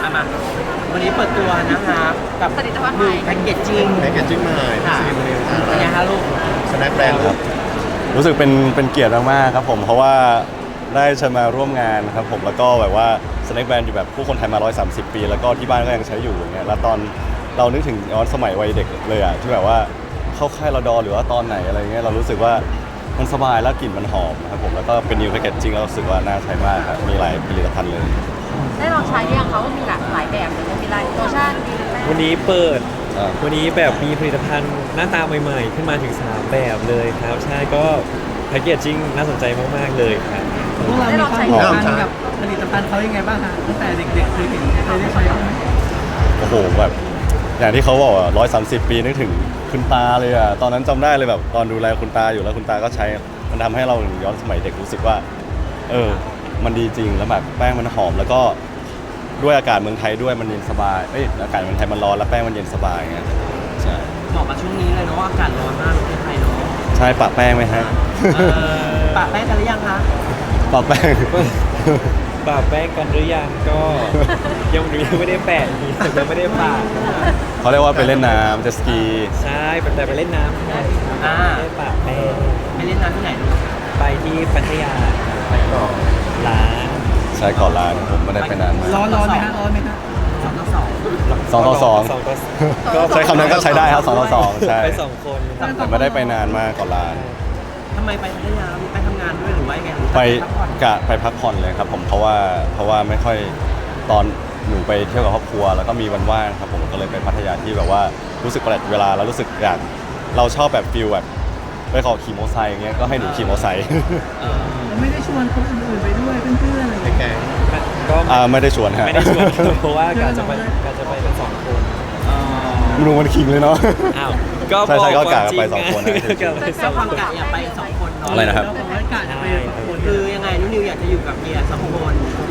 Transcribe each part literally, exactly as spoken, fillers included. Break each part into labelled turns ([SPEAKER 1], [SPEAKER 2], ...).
[SPEAKER 1] อ่ะมาวันนี้เปิดตัวนะคะกับ
[SPEAKER 2] ผลิตภัณฑ์
[SPEAKER 1] มื
[SPEAKER 2] ใหม่
[SPEAKER 1] อแพ็กเกจจิ้ง
[SPEAKER 3] แพ็กเกจจิ้งใหม่
[SPEAKER 1] ค่ะ
[SPEAKER 3] ซีรีส์
[SPEAKER 1] เป็นไงคะลูก
[SPEAKER 3] สแน็คแบรนด์ครับ
[SPEAKER 4] รู้สึกเป็นเป็นเกียรติมากๆครับผมเพราะว่าได้เชิญมาร่วมงานครับผมแล้วก็แบบว่าสแน็คแบรนด์อยู่แบบผู้คนไทยมาหนึ่งร้อยสามสิบปีแล้วก็ที่บ้านก็ยังใช้อยู่อย่างเงี้ยแล้วตอนเรานึกถึงย้อนสมัยวัยเด็กเลยอ่ะที่แบบว่าเข้าค่ายรดอหรือว่าตอนไหนอะไรเงี้ยเรารู้สึกว่ามันสบายแล้วกลิ่นมันหอมนะครับผมแล้วก็เป็นนิวแพคเกจจิ้งแล้วรู้สึกว่าน่าใช้มากครับมีหลายผลิตภัณฑ์เลย
[SPEAKER 2] ได้ลองใช้หรือยังเขามีหลากหลายแบบเลยมีหลายโลชั่นมีแป้ง
[SPEAKER 5] วันนี้เปิด
[SPEAKER 4] อ่า
[SPEAKER 5] วันนี้แบบมีผลิตภัณฑ์หน้าตาใหม่ๆ ขึ้นมาถึงสามแบบเลยครับ ใช่ก็แพคเกจจิ้งน่าสนใจมากๆเลยครับ
[SPEAKER 1] พวกเรามีความผูกพันกับผลิตภัณฑ์เขายังไงบ้างฮะตั้งแต่เด็กๆเคยเห็นเคยได้ใช้บ้างไหม
[SPEAKER 4] โอ้โหแบบอย่างที่เขาบอกอ่ะร้อยสามสิบปีนึกถึงคุณตาเลยอ่ะตอนนั้นจำได้เลยแบบตอนดูแลคุณตาอยู่แล้วคุณตาก็ใช้มันทำให้เราย้อนสมัยเด็กรู้สึกว่า เออ มันดีจริงแล้วแบบแป้งมันหอมแล้วก็ด้วยอากาศเมืองไทยด้วยมันเย็นสบายเอ้ยอากาศเมืองไทยมันร้อนแล้วแป้งมันเย็นสบายไงใช่
[SPEAKER 1] เหมาะกับช่วงนี้เลยเนาะอากาศร้อนมากในประเทศไทยเนาะ
[SPEAKER 4] ใช่ปะแป้งไหมฮะ
[SPEAKER 1] เออปะแป้งกันหรือยังคะ
[SPEAKER 4] ปะแป้ง
[SPEAKER 5] ปะแป้งกันหรือยังก็ยังไม่ได้แปะยังไม่ได้ปะ
[SPEAKER 4] เขาเรียกว่าไปเล่นน้ำเจตสกี
[SPEAKER 5] ใช่แต่ไปเล่นน้ำครับ
[SPEAKER 1] อ่า
[SPEAKER 5] ไม่ได้ปะแป้ง
[SPEAKER 1] ไปเล่นน้ำที่ไหนลูก
[SPEAKER 5] ไปที่พัทยาไปก่อนร้าน
[SPEAKER 4] ใช่ก่อนร้านผมไม่ได้ไปนานมาก
[SPEAKER 1] ร้อนร้อนไหมฮะร้อนไหมฮะสองต่อสอง
[SPEAKER 4] สองต่อสอง
[SPEAKER 5] สองต่อ
[SPEAKER 4] ก็ใช้คำนั้นก็ใช้ได้ครับสองต่อสองใช่
[SPEAKER 5] ไปสองคน
[SPEAKER 4] แต่ไม่ได้ไปนานมากก่อนร้าน
[SPEAKER 1] ทำไมไปพัทยาไปทำงานด้วยหรือว่ายังไงหรือ
[SPEAKER 4] ไป
[SPEAKER 1] พักผ่อน
[SPEAKER 4] กะไปพักผ่อนเลยครับผมเพราะว่าเพราะว่าไม่ค่อยตอนหนูไปเที่ยวกับครอบครัวแล้วก็มีวันว่างครับผมก็เลยไปพัทยาที่แบบว่ารู้สึกประหยัดเวลาแล้วรู้สึกอยากเราชอบแบบฟิลแบบไปขอขี่มอเตอร์ไซค์อย่างเงี้ยก็ให้หนูขี่มอเตอร์ไซค์
[SPEAKER 1] เออ
[SPEAKER 6] ไม่ได้ชวนคนอื่นๆไปด้วยเพื่อนๆอะไรอย่าง
[SPEAKER 3] แก
[SPEAKER 6] เงี้ย
[SPEAKER 3] ง
[SPEAKER 5] ก็
[SPEAKER 4] อ่าไม่ได้ชวนฮะ
[SPEAKER 5] ไม่ได้ชวนเพราะว่ากะจะไปกะจะไปกันสองคน
[SPEAKER 1] เออ
[SPEAKER 4] หนูมันคิงเลยเนาะ
[SPEAKER 5] อ้าวก็
[SPEAKER 4] ใช่ใช่ก็
[SPEAKER 5] บ
[SPEAKER 4] กะ
[SPEAKER 5] ควมจริ
[SPEAKER 4] ไปสองคนนะ
[SPEAKER 5] กะไปส
[SPEAKER 1] เจ้า
[SPEAKER 5] อง
[SPEAKER 1] ความ
[SPEAKER 5] คน
[SPEAKER 1] กะอยากไปสองคนเนาะ
[SPEAKER 4] อะไรนะครับ
[SPEAKER 6] เราบอกว่ากะจะไปสองคน
[SPEAKER 1] คือยังไงนุ่นนิวอยากจะอยู่กับเมียสองคน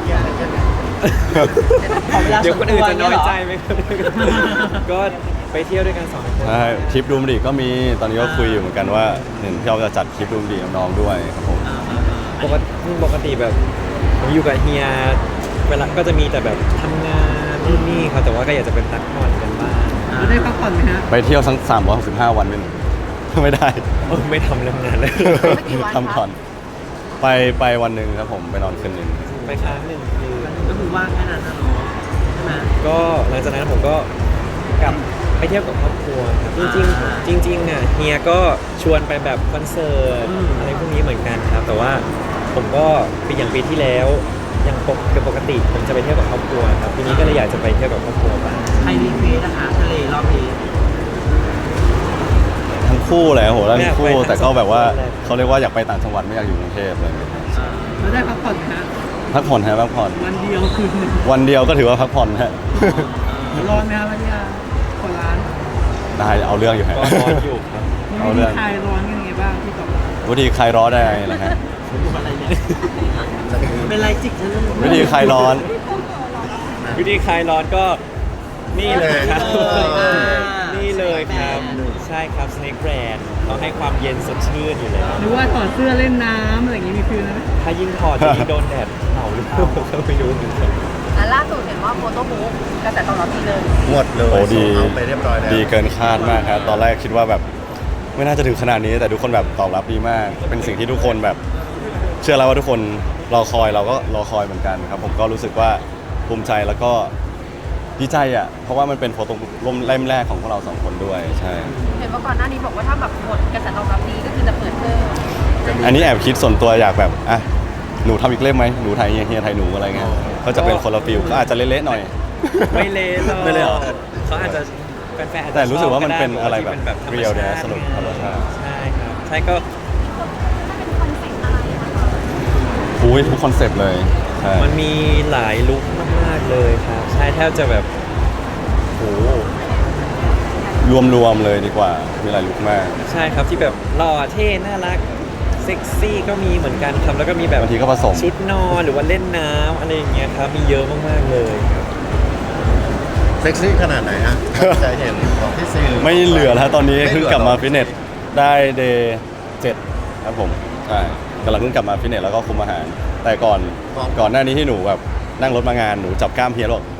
[SPEAKER 1] ขอเวลา
[SPEAKER 5] เดี๋
[SPEAKER 1] ส่
[SPEAKER 5] ยว
[SPEAKER 1] วน
[SPEAKER 5] คน
[SPEAKER 1] ตั
[SPEAKER 5] อื่น
[SPEAKER 1] ว
[SPEAKER 5] จะ
[SPEAKER 1] เนี่
[SPEAKER 5] น้
[SPEAKER 1] ย
[SPEAKER 5] อย
[SPEAKER 1] เหรอ
[SPEAKER 5] ใจไหมครับก็ไปเที่ยวด้วยกันสองคน
[SPEAKER 4] ใช่ทริปดูมดีก็มีตอนนี้ก็คุยอยู่เหมือนกันว่าเห็นพี่เอาจะจัดทริปดูมดีกับน้องด้วยครับผม
[SPEAKER 1] เออเออเอ
[SPEAKER 5] ป
[SPEAKER 1] อก
[SPEAKER 5] ติปกติแบบผมอยู่กับเฮียเวลาก็จะมีแต่แบบทำงานนู่นนี่ครับแต่ว่าก็อยากจะเป็นพักผ่อนกันบ้าง
[SPEAKER 6] เราได้พักผ่อนไหมฮะ
[SPEAKER 4] ไปเที่ยวทั้งสามร้อยหกสิบห้าวันเป็น ไม่ได้
[SPEAKER 5] เออไม่ทำเรื่องงานเลย
[SPEAKER 2] ไม่กี่วัน
[SPEAKER 4] ทำผ่อนไปไปวันหนึ่งครับผมไปนอนคืนหนึ่ง
[SPEAKER 5] ไปค้างหนึ่งคืน
[SPEAKER 1] ก็คือว่างแค่นั้นนะเนาะใช่ไหม
[SPEAKER 5] ก็หลังจากนั้นผมก็กลับไปเที่ยวกับครอบครัวครับจริง
[SPEAKER 1] อ่า
[SPEAKER 5] ๆจริงๆอ่ะเฮียก็ชวนไปแบบคอนเสิร์ต
[SPEAKER 1] อืม
[SPEAKER 5] อะไรพวกนี้เหมือนกันครับ แต่ว่าผมก็ปีอย่างปีที่แล้วอย่างปกเป็นปกติผมจะไปเที่ยวกับครอบครัวครับปีนี้ก็เลยอยากจะไปเที่ยวกับครอบครัวบ้าง
[SPEAKER 1] ใครรีเควสนะคะทะเลรอบนี้
[SPEAKER 4] ทั้งคู่แหละโหแล้วทั้งคู่
[SPEAKER 5] ไม่อยากไป
[SPEAKER 4] แต่ก็แบบว่า
[SPEAKER 5] ทั้งสองคนเลย
[SPEAKER 4] เขาเรียกว่าอยากไปต่างจังหวัดไม่อยากอยู่กรุงเทพเลย
[SPEAKER 1] อ่า
[SPEAKER 6] เราได้พักผ่อนไหมฮะ
[SPEAKER 4] พักผ่อนฮะพักผ่อน
[SPEAKER 6] วันเดียวคืนหนึ่ง
[SPEAKER 4] วันเดียวก็ถือว่าพักผ่อนฮะ
[SPEAKER 6] ร้อนไหมฮะพัทยาขอร้าน
[SPEAKER 4] ได้เอาเรื่องอยู่ฮะ
[SPEAKER 5] ก็ร้อนอยู่ครับ
[SPEAKER 6] มี
[SPEAKER 4] เอา
[SPEAKER 6] วิ
[SPEAKER 4] เรื่
[SPEAKER 6] ธี
[SPEAKER 4] อง
[SPEAKER 6] คลายร้อนกันยังไงบ้างที่ตอบรับ
[SPEAKER 4] วิธีคลายร้อนได้ไงนะฮะ
[SPEAKER 1] อะไรเนี่ยเป็นไรจิกฉัน
[SPEAKER 4] วิธีคลายร้อน
[SPEAKER 5] วิธีคลายร้อนก็นี่เลยครับ
[SPEAKER 1] อ่า
[SPEAKER 5] นี่เลยครับ ใช่ครับ Snake Brand เขาให้ความเย็นสดชื่นอยู่แล้ว
[SPEAKER 6] หรือว่าถอดเสื้อเล่นน้ำอะไรอย่างงี้มีฟิลไหม
[SPEAKER 5] ถ้ายิ่งถอดจะยิ่งโดนแดดเผาหรือเปล่าก็ไม่รู้เหมือนกัน
[SPEAKER 2] อ่ะล่าสุดเห็นว่าโฟโต้บุ๊กกระแสตอบรับดีเลย
[SPEAKER 3] หมดเลย
[SPEAKER 4] โอ้ดี
[SPEAKER 3] เอาไปเรียบร้อยแล้ว
[SPEAKER 4] ดีเกินคาดมากครับตอนแรกคิดว่าแบบไม่น่าจะถึงขนาดนี้แต่ทุกคนแบบตอบรับดีมาก เป็นสิ่งที่ทุกคนแบบเชื่อแล้วว่าทุกคนรอคอยเราก็รอคอยเหมือนกันครับผมก็รู้สึกว่าภูมิใจแล้วก็ดีใจอ่ะเพราะว่ามันเป็นโฟโต้ร่มเล่มแรกของพวกเราสองคนด้วยใช่
[SPEAKER 2] เห็นว่าก่อนหน้านี้บอกว่าถ้าแบบหมดกระแสตอบรับดีก็คือจะเปิดเพิ่ม
[SPEAKER 4] อันนี้แอบคิดส่วนตัวอยากแบบอ่ะหนูทำอีกเล่มไหมหนูไทยเฮียเฮียไทยหนูอะไรเงี้ยก็จะเป็นคนละฟิลก็อาจจะเละๆหน่อย
[SPEAKER 5] ไม่เละหรอก
[SPEAKER 4] ไม่เละหรอ
[SPEAKER 5] เขาอาจจะแฟนๆอาจจะ
[SPEAKER 4] แต่รู้สึกว่ามัน
[SPEAKER 5] ช
[SPEAKER 4] เป็นอะไรแบบ
[SPEAKER 5] ที่เป็นแบบธรรม
[SPEAKER 4] เรียล
[SPEAKER 5] ชา
[SPEAKER 4] เนี่ย
[SPEAKER 5] ติ
[SPEAKER 4] สนุกธรรมชาติ
[SPEAKER 5] ใช่ครับใช่ก็
[SPEAKER 4] อุ้ยทุกคอนเซปต์เลยใช่
[SPEAKER 5] มันมีหลายลุคมากๆเลยครับ ใช่แทบจะแบบโห
[SPEAKER 4] รวมๆเลยดีกว่ามีหลายลุคมาก
[SPEAKER 5] ใช่ครับที่แบบหล่อเท่น่ารักเซ็กซี่ก็มีเหมือนกันครับแล้วก็มีแบบ
[SPEAKER 4] บางทีก็ผสม
[SPEAKER 5] ชุดนอนหรือว่าเล่นน้ำอะไรอย่างเงี้ยครับมีเยอะมากๆเลยครับ
[SPEAKER 3] เซ็กซี่ขนาดไหนฮะใจเห็นของพี่ซี
[SPEAKER 4] ไม่เหลือแล้วตอนนี้
[SPEAKER 3] ไม่
[SPEAKER 4] เพิ่ง
[SPEAKER 3] หลือก
[SPEAKER 4] ลับมา
[SPEAKER 3] หรอ
[SPEAKER 4] ฟิตเนสได้เดย์เจ็ดครับผมใช่กำลังเพิ่งกลับมาฟิตเนสแล้วก็คุมอาหาร แต่ก่อนก่อนหน้านี้ที่หนูแบบนั่งรถมางานหนูจับกล้ามเพียรบอก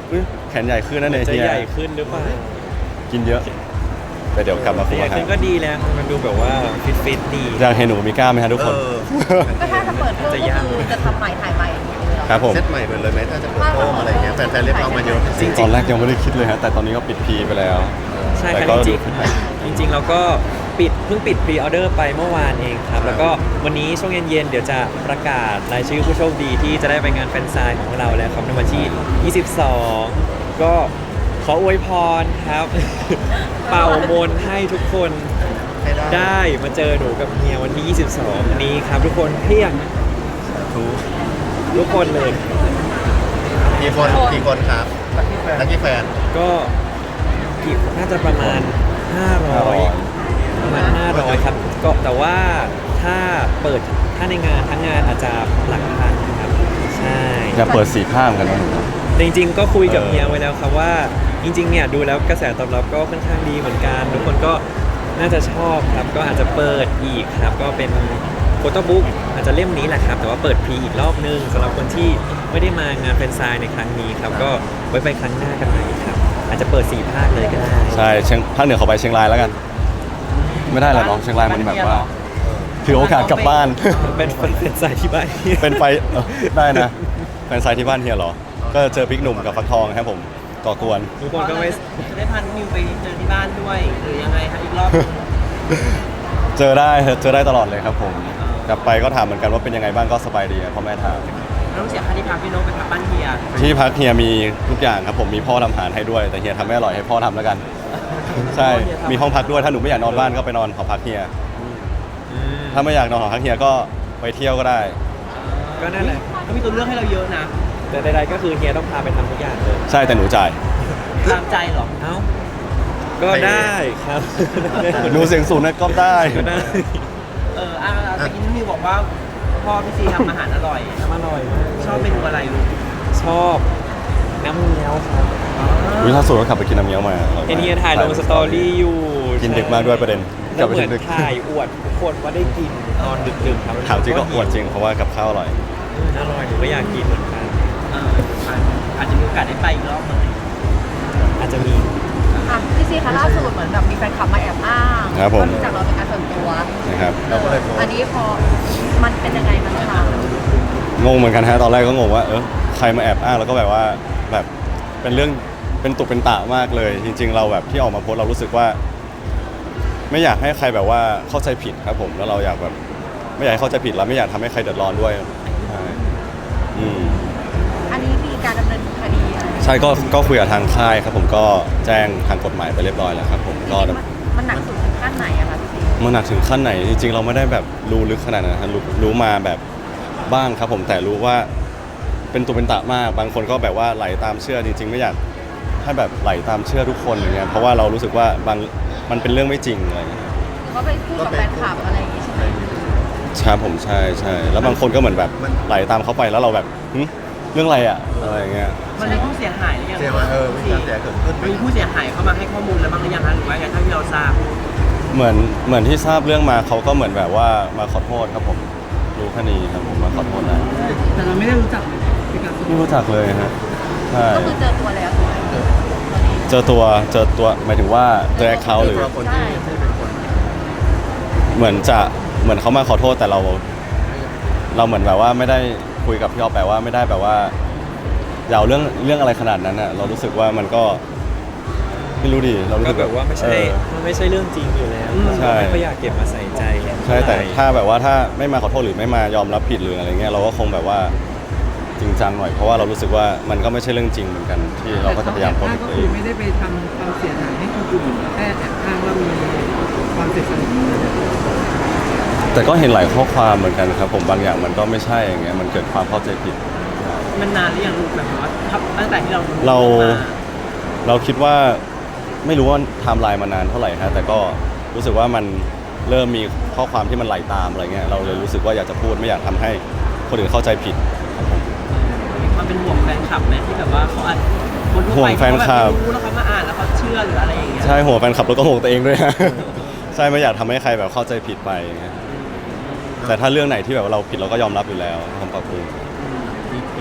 [SPEAKER 4] อุ๊ยแขนใหญ่ขึ้นนั่นเอง
[SPEAKER 5] จะ
[SPEAKER 4] เฮีย
[SPEAKER 5] ใหญ่ขึ้นหรือเปล่า
[SPEAKER 4] กินเยอะแต่เดี๋ยวกลับมาคุ
[SPEAKER 5] ให
[SPEAKER 4] ม
[SPEAKER 5] ญ่
[SPEAKER 4] อาหา
[SPEAKER 5] ขึ้
[SPEAKER 4] ร
[SPEAKER 5] นก็ดีแล้วมันดูแบบว่าฟิตฟิตๆดี
[SPEAKER 4] อยากเห็นหนูมีกล้ามไหมฮะทุกคน
[SPEAKER 3] เออ
[SPEAKER 2] ก็ถ้าจะเปิดเพิ่ม
[SPEAKER 5] จะ
[SPEAKER 2] ก็
[SPEAKER 5] ยาก
[SPEAKER 2] คือจะทำใหม่ถ่ายใหม่อย่างเงี้ยเลยเหรอ
[SPEAKER 4] ครับผม
[SPEAKER 3] เซตใหม่ไปเลยไหมถ้าจะเปิดโต้งอะไรเงี้ยแฟนๆเรียกร้องมาเยอะ
[SPEAKER 5] จริง
[SPEAKER 4] ตอนแรกยังไม่ได้คิดเลยฮะแต่ตอนนี้ก็ปิดพีไปแล้ว
[SPEAKER 5] ใช่
[SPEAKER 4] แต่
[SPEAKER 5] ครับ
[SPEAKER 4] ก็
[SPEAKER 5] จ
[SPEAKER 4] ดู
[SPEAKER 5] ริงๆจริงๆเราก็ปิดเพิ่งปิดพรีออเดอร์ไปเมื่อวานเองครับ แล้วก็วันนี้ช่วงเย็นๆเดี๋ยวจะประกาศรายชื่อผู้โชคดีที่จะได้ไปงานแฟนไซน์ของเราแล้วครับในวันที่ยี่สิบสองก็ขออวยพรครับ เป่ามนต์ให้ทุกคน
[SPEAKER 3] ให้ได้
[SPEAKER 5] ได้มาเจอหนูกับเฮียวันที่ ยี่สิบสองนี้ครับทุกคนเพียงทุกคนเลย
[SPEAKER 3] กี่คนกี่คนครับนักกี่แฟน
[SPEAKER 5] ก็กี่น่าจะประมาณ ห้าร้อย ประมาณ ห้าร้อย ครับ ก็แต่ว่าถ้าเปิดถ้าในงานทั้งงานอาจจะหลักพันครับ ใช่
[SPEAKER 4] อยากเปิดสี่ข้างกันนะหนู
[SPEAKER 5] แต่จริงๆ ก็คุยกับ
[SPEAKER 4] เออ
[SPEAKER 5] เฮียไว้แล้วครับว่า จริงๆ เนี่ยดูแล้วกระแสตอบรับก็ค่อนข้างดีเหมือนกัน ทุกคนก็น่าจะชอบครับ ก็อาจจะเปิดอีกครับ ก็เป็นโฟโต้บุ๊กอาจจะเล่มนี้แหละครับ แต่ว่าเปิดพรีอีกรอบนึงสำหรับคนที่ไม่ได้มางานแฟนไซน์ในครั้งนี้ครับ ก็ไว้ไปครั้งหน้ากันใหม่ครับ อาจจะเปิดสี่ภาคเลยก็ได้
[SPEAKER 4] ใช่เชียงภาคเหนือเขาไปเชียงรายแล้วกัน ไม่ได้หรอน้องเชียงรายมันแบบว่าถือโอกาสกลับบ้าน
[SPEAKER 5] เป็นแฟนไซน์ที่บ้าน
[SPEAKER 4] เป็นไปเออได้นะแฟนไซต์ที่บ้านเฮียเหรอ ก็เจอพริกหนุ่มกับฟักทองครับผมก่อกวน
[SPEAKER 5] ทุกคนก็ไม่
[SPEAKER 1] จะได้พานิวไปเจอที่บ้านด้วยหรือยังไงครับอีกรอบ
[SPEAKER 4] เจอได้เจอได้ตลอดเลยครับผมกลับไปก็ถามเหมือนกันว่าเป็นยังไงบ้างก็สบายดีอะพ่อแม่ถาม
[SPEAKER 1] ต้องเสียค่าที่พักพี่โน้ตไปพักบ้านเฮีย
[SPEAKER 4] ที่พักเฮียมีทุกอย่างครับผมมีพ่อทำอาหารให้ด้วยแต่เฮียทำไม่อร่อยให้พ่อทำแล้วกัน ใช่มีห้องพักด้วยถ้าหนูไม่อยากนอนบ้านก็ไปนอนหอพักเฮียถ้าไม่อยากนอนหอพักเฮียก็ไปเที่ยวก็ได้
[SPEAKER 5] ก็นั่นแหละ
[SPEAKER 1] ก็มีตัวเลือกให้เราเยอะนะ
[SPEAKER 5] แต่ใดๆก็คือเฮียต้องพาไปทำทุกอย่างเลย
[SPEAKER 4] ใช่แต่หนูจ่าย
[SPEAKER 1] ตามใจเหรอ
[SPEAKER 5] เอ้า ก็ได้ครับ
[SPEAKER 4] หนูเสียงสูงนะก็ได้
[SPEAKER 5] ก็ได้
[SPEAKER 1] เอออ่ะตะกี้นิวบอกว่าพ่อพี่ซีทำอาหารอร่อย
[SPEAKER 5] ทำอร่อยมาก
[SPEAKER 1] ชอบเมนูอะไรลูก
[SPEAKER 5] ชอบน้ำเงี้ยวครับ
[SPEAKER 4] วิล่าสุดก็ขับไปกินน้ำเงี้ยวมาอร่อยมาก
[SPEAKER 5] เห็นเฮียถ่ายลงสตอรี่อยู่
[SPEAKER 4] กินดึกมากด้วยประเด็นก
[SPEAKER 5] แล้
[SPEAKER 4] ลับ
[SPEAKER 5] ว
[SPEAKER 4] ไป
[SPEAKER 5] เหมือน
[SPEAKER 4] ดึก
[SPEAKER 5] ถ่ายอวดทุกคนว่าได้กินตอนดึกๆครับ
[SPEAKER 4] ถามจริงก็อวดจริงเพราะว่ากับข้าวอร่อย
[SPEAKER 5] อืมอร่อยหนูก็อยากกินเหมือนกัน
[SPEAKER 1] เอออาจจะมีโอกาสได้ไปอีกรอบหนึ่ง
[SPEAKER 5] อาจจะมี
[SPEAKER 2] อ่ะพี่ซีคะล่าสุดเหมือนแบบมีแฟนคลับมาแอบอ้าง
[SPEAKER 4] ครับผม
[SPEAKER 2] ว่ารู้จักเราเป็นการส่วนตัว
[SPEAKER 4] นะครับ
[SPEAKER 3] เราก็เลยโพสต์
[SPEAKER 2] อันนี้พอมันเป็นยังไงมันคะ
[SPEAKER 4] งงเหมือนกันฮะตอนแรกก็งงว่าเออใครมาแอบอ้างแล้วก็แบบว่าแบบเป็นเรื่องเป็นตุเป็นตะมากเลย จริง ๆ เราแบบที่ออกมาโพสต์เรารู้สึกว่า ไม่อยากให้ใครแบบว่าเข้าใจผิดครับผมแล้วเราอยากแบบ ไม่อยากให้เข้าใจผิดแล้วไม่อยากทำให้ใครเดือดร้อนด้วยใช่อืม
[SPEAKER 2] อันนี้มีการดำเนินคดีอะไร
[SPEAKER 4] ใช่ก็ก็คุยกับทางค่ายครับผมก็แจ้งทางกฎหมายไปเรียบร้อยแล้วครับผมก็
[SPEAKER 2] มันมันหนักสุดถึงขั้นไหนอะคะพี่ซี
[SPEAKER 4] มันหนักถึงขั้นไหนจริงๆ เราไม่ได้แบบรู้ลึกขนาดนั้นนะรู้รู้มาแบบบ้างครับผมแต่รู้ว่าเป็นตัวเป็นตะมากบางคนก็แบบว่าไหลตามเชื่อจริง ๆ ไม่อยากให้แบบไหลตามเชื่อทุกคนอย่างเงี้ยเพราะว่าเรารู้สึกว่าบางมันเป็นเรื่องไม่จริงอะไรอย่างเงี้ย
[SPEAKER 2] ก็ไปพูดกับแฟนคลับอะไรอย่างงี้ใช่ไหม
[SPEAKER 4] ครับผมใช่ใช่แล้วบางคนก็เหมือนแบบไหลตามเขาไปแล้วเราแบบหึเรื่องอะไรอะอะไรอย่างเงี้ย
[SPEAKER 1] มันมีผู้เสียหายหรือยัง
[SPEAKER 3] เสียมาเออมีการเสียเกิดขึ้น
[SPEAKER 1] มีผู้เสียหายเข้ามาให้ข้อมูลแล้วบ้างหรือยังคะหรือว่าไงเท่าที่เราทราบ
[SPEAKER 4] เหมือนเหมือนที่ทราบเรื่องมาเขาก็เหมือนแบบว่ามาขอโทษครับผมรู้แค่นี้ครับผมมาขอโทษนะ
[SPEAKER 6] แต่เราไม่ได้รู้จักเป็นการส่วน
[SPEAKER 4] ไม่รู้จักเลยฮะใช่
[SPEAKER 2] ก็คือเจอตัวแล้วใช่ไหม
[SPEAKER 4] เจอตัวเจอตัวหมายถึงว่าเจอแอคเคาท์หรือ
[SPEAKER 3] ตัวคนที่ที่เป็นคน
[SPEAKER 4] เหมือนจะเหมือนเขามาขอโทษแต่เรา เราเหมือนแบบว่าไม่ได้คุยกับพี่ออฟแปลว่าไม่ได้แบบว่าอย่าเอาเรื่องเรื่องอะไรขนาดนั้นอ่ะเรารู้สึกว่ามันก็ไม่รู้ดิเรารู้
[SPEAKER 5] ก็
[SPEAKER 4] สึก
[SPEAKER 5] แบบว่าไม่ใช่
[SPEAKER 4] เออ
[SPEAKER 5] มันไม่ใช่เรื่องจริงอยู่แล้ว
[SPEAKER 4] ใช่
[SPEAKER 5] ไม่ค่อยอยากเก็บมาใส่ใจ
[SPEAKER 4] ใช่แต่ถ้าแบบว่าถ้าไม่มาขอโทษหรือไม่มายอมรับผิดหรืออะไรเงี้ยเราก็คงแบบว่าจริงจังหน่อยเพราะว่าเรารู้สึกว่ามันก็ไม่ใช่เรื่องจริงเหมือนกัน ที่เราก็จะพยายาม
[SPEAKER 6] แต่
[SPEAKER 4] ป้อง
[SPEAKER 6] เขา
[SPEAKER 4] กัน
[SPEAKER 6] ก็
[SPEAKER 4] ตัวเอ
[SPEAKER 6] คือง ไม่ได้ไปทำความเสียหายให้คนอื่นแค่แอบอ้างว่ามีความเสียสนิท
[SPEAKER 4] แต่ก็เห็นหลายข้อความเหมือนกันครับผมบางอย่างมันก็ไม่ใช่อย่างเงี้ยมันเกิดความเข้าใจผิด
[SPEAKER 1] มันนานหรือยังลูกแบบว่าทับตั้งแต่ที่เรา
[SPEAKER 4] เรา
[SPEAKER 1] มา
[SPEAKER 4] เราคิดว่าไม่รู้ว่าไทม์ไลน์มานานเท่าไหร่ฮะแต่ก็รู้สึกว่ามันเริ่มมีข้อความที่มันไหลตามอะไรเงี้ยเราเลยรู้สึกว่าอยากจะพูดไม่อยากทำให้คนอื่นเข้าใจผิดครับผม
[SPEAKER 1] มีความเป็นห่วงแฟนคลับไหมที่แบบว่าเขาอาจคนทั่ว
[SPEAKER 4] ห่ว
[SPEAKER 1] ไป
[SPEAKER 4] งแฟนคลับ
[SPEAKER 1] เขาแบบไม่รู้แล้วเขามาอ่านแล้วเขาเชื่อหรืออะไรอย่างเงี้ย
[SPEAKER 4] ใช่หัวแฟนคลับแล้วก็ห่วงตัวเองด้วยฮะ ใช่ไม่อยากทำให้ใครแบบเข้าใจผิดไปอย่างเงี้ยแต่ถ้าเรื่องไหนที่แบบว่าเราผิดเราก็ยอมรับอยู่แล้วทำปรับปรุง
[SPEAKER 3] มีมี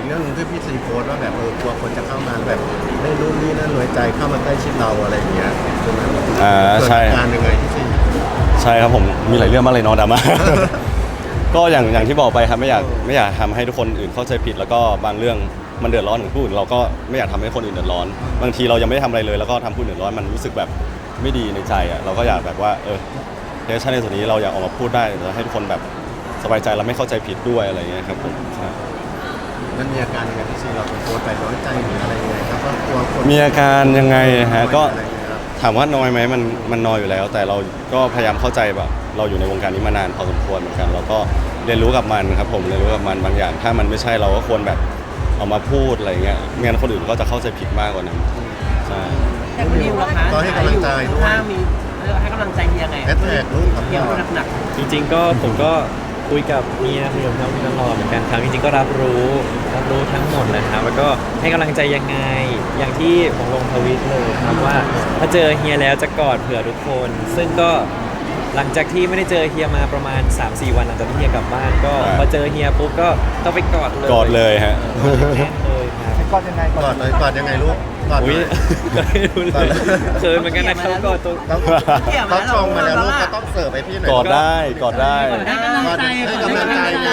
[SPEAKER 3] กเรื่องหนึงที่พี่ซีโพสต์ว่าแบบเออกลัวคนจะเข้ามาแล้วแบบไม่รู้นี่นั่นน้อยใจเข้ามาใกล้ชิดเราอะไรอย่างเงี้ยตรงนั้น
[SPEAKER 4] อ่าใช่
[SPEAKER 3] เกิดอาการยังไงพี่ซี
[SPEAKER 4] ใช่ครับผมมีหลายเรื่องมากเลยเนาะดราม่า ก็อย่างอย่างที่บอกไปครับไม่อยากไม่อยากทำให้ทุกคนอื่นเข้าใจผิด แล้วก็บางเรื่องมันเดือดร้อนถึงผู้อื่นเราก็ไม่อยากทำให้คนอื่นเดือดร้อน บางทีเรายังไม่ได้ทำอะไรเลย แล้วก็ทำผู้อื่นเดือดร้อนมันรู้สึกแบบไม่ดีในใจอ่ะเราก็อยากแบบว่าเออเทชั่นในส่วนนี้เราอยากออกมาพูดได้แล้วให้ทุกคนแบบสบายใจและไม่เข้าใจผิดด้วยอะไรอย่างเงี้ยครับผมใช่
[SPEAKER 3] มันมีอาการยังไงพี่ซีเราเป็นโพสต์ไปน้อยใจหรืออะไรยังไงครับว่ากลัวคน
[SPEAKER 4] มีอาการยังไงฮะก็
[SPEAKER 3] อะไรอย่างเงี้ยครับ
[SPEAKER 4] ถามว่าน้อยไหมมันมันน้อยอยู่แล้ว แต่เราก็พยายามเข้าใจแบบเราอยู่ในวงการนี้มานานพอสมควรเหมือนกันเราก็เรียนรู้กับมันครับผมเรียนรู้กับมันบางอย่าง ถ้ามันไม่ใช่เราก็ควรแบบเอามาพูดอะไรเงี้ยไม่งั้นคนอื่นก็จะเข้าใจผิดมากกว่านั้นใช่
[SPEAKER 6] แต่คุณนิวล่ะคะ
[SPEAKER 3] ก็ให้กำลังใจด้วย
[SPEAKER 6] ข้างๆมีเรียกว่าให้กำลังใจเฮียไง
[SPEAKER 3] แฮชแท็กลูกกับ
[SPEAKER 6] เฮีย
[SPEAKER 3] พ่อ
[SPEAKER 6] คนหนัก
[SPEAKER 5] จริงๆก็ผมก็คุยกับเมียคุยกับน้องตลอดเหมือนกันครับจริงๆก็รับรู้รับรู้ทั้งหมดเลยครับแล้วก็ให้กำลังใจยังไงอย่างที่ผมลงทวิตเลยครับว่าถ้าเจอเฮียแล้วจะกอดเผื่อทุกคน ซึ่งก็หลังจากที่ไม่ได้เจอเฮียมาประมาณ สามสี่ วันหลังจากที่เฮียกลับบ้านก็พอเจอเฮียปุ๊บก็ต้องไปกอดเลย
[SPEAKER 4] กอดเลยฮะ
[SPEAKER 5] แน่นเลยครับ
[SPEAKER 3] กอดยังไงกอดเลยกอดยังไงลูกกอดห
[SPEAKER 5] อุ้
[SPEAKER 3] น่
[SPEAKER 5] ย
[SPEAKER 3] อย
[SPEAKER 5] ก็ไม่รู้เลยเขินเหมือนกันนะครับกอดตัว
[SPEAKER 3] ต้องเขาชงมาแล้วลูกก็ต้องเสิร์ฟให้พี่หน่อย
[SPEAKER 4] กอดได้กอดได้
[SPEAKER 6] ให้กำลังใจ
[SPEAKER 3] ให้กำลังใจเลย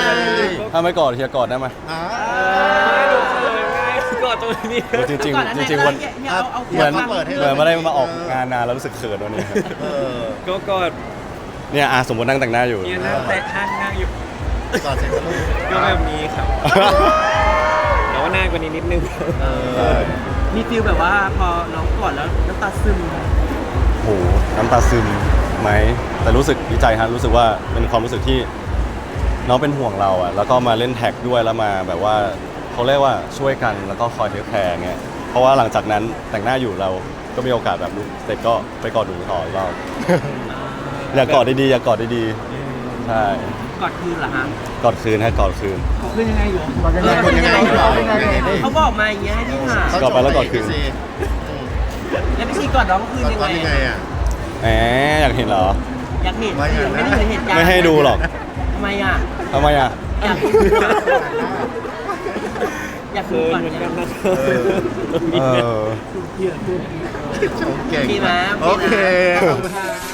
[SPEAKER 4] ถ้าไม่กอดเฮียกอดได้ไหม
[SPEAKER 3] อ่า
[SPEAKER 5] ไม่รู้เลยไงกอดตัวนี้
[SPEAKER 4] จริงจริงๆจริงๆวัน
[SPEAKER 6] เอาเอา
[SPEAKER 4] เหมือน
[SPEAKER 3] เปิดให้
[SPEAKER 4] เหมือนไม่ได้มาออกงานนานแล้วรู้สึกเขินวันนี้ครับ
[SPEAKER 3] เออ
[SPEAKER 5] ก็กอด
[SPEAKER 4] เนี่ยอาสมมตินั่งแต่งหน้าอยู่
[SPEAKER 5] เนี่ยนั่งแต่ห้างนั่งอยู่
[SPEAKER 3] กอดเสร็จก็ลูก
[SPEAKER 5] ก็แบบนี้ครับแต่ว่านานกว่านี้นิดนึง
[SPEAKER 6] เออมีฟิลแบบว่าพอน้องกอดแล้วน้ำตาซึม
[SPEAKER 4] โหน้ำตาซึมไหมแต่รู้สึกดีใจฮะรู้สึกว่าเป็นความรู้สึกที่น้องเป็นห่วงเราอะแล้วก็มาเล่นแท็กด้วยแล้วมาแบบว่าเขาเรียกว่าช่วยกันแล้วก็คอยเทคแคร์เงี้ยเพราะว่าหลังจากนั้นแต่งหน้าอยู่เราก็มีโอกาสแบบรู้เสร็จก็ไปกอดดูต่ออีกรอบ อยากกอดดีๆอยากกอดดีๆใช่
[SPEAKER 6] กอดคืนเหรอฮะ
[SPEAKER 4] กอดคืนฮะกอดคืน
[SPEAKER 6] กอดคืนยังไงอยู่กอด
[SPEAKER 3] เออคนยังไงเหรอยังไงดี
[SPEAKER 6] เขาบอกมาอย่างเงี้ยให้พี่หา
[SPEAKER 3] เขา
[SPEAKER 4] กอดไปแล้วกอดคืน
[SPEAKER 3] พี่ซี
[SPEAKER 6] แล้วพี่ชีกอดน้องคืน
[SPEAKER 3] กอด
[SPEAKER 6] ยัง
[SPEAKER 3] กอด
[SPEAKER 6] ไง
[SPEAKER 3] ยังไงอ่ะ
[SPEAKER 4] แหมอยากเห็นเหรอ
[SPEAKER 6] อยากเห็น
[SPEAKER 3] ไม่อยากนะ
[SPEAKER 6] ไม่ได้เห็นเหตุการณ์
[SPEAKER 4] ไม่ให้ดูหรอก
[SPEAKER 6] ทำไมอ่ะ
[SPEAKER 4] ทำไมอ่ะ
[SPEAKER 6] อยากดูอยากดู
[SPEAKER 5] เขิน
[SPEAKER 6] ก่อน
[SPEAKER 5] เหมือนกันนะ
[SPEAKER 4] เออ
[SPEAKER 3] ชมเก่ง
[SPEAKER 6] ดีไหม
[SPEAKER 3] โอเค
[SPEAKER 6] โอเคนะ
[SPEAKER 3] ขอบคุณ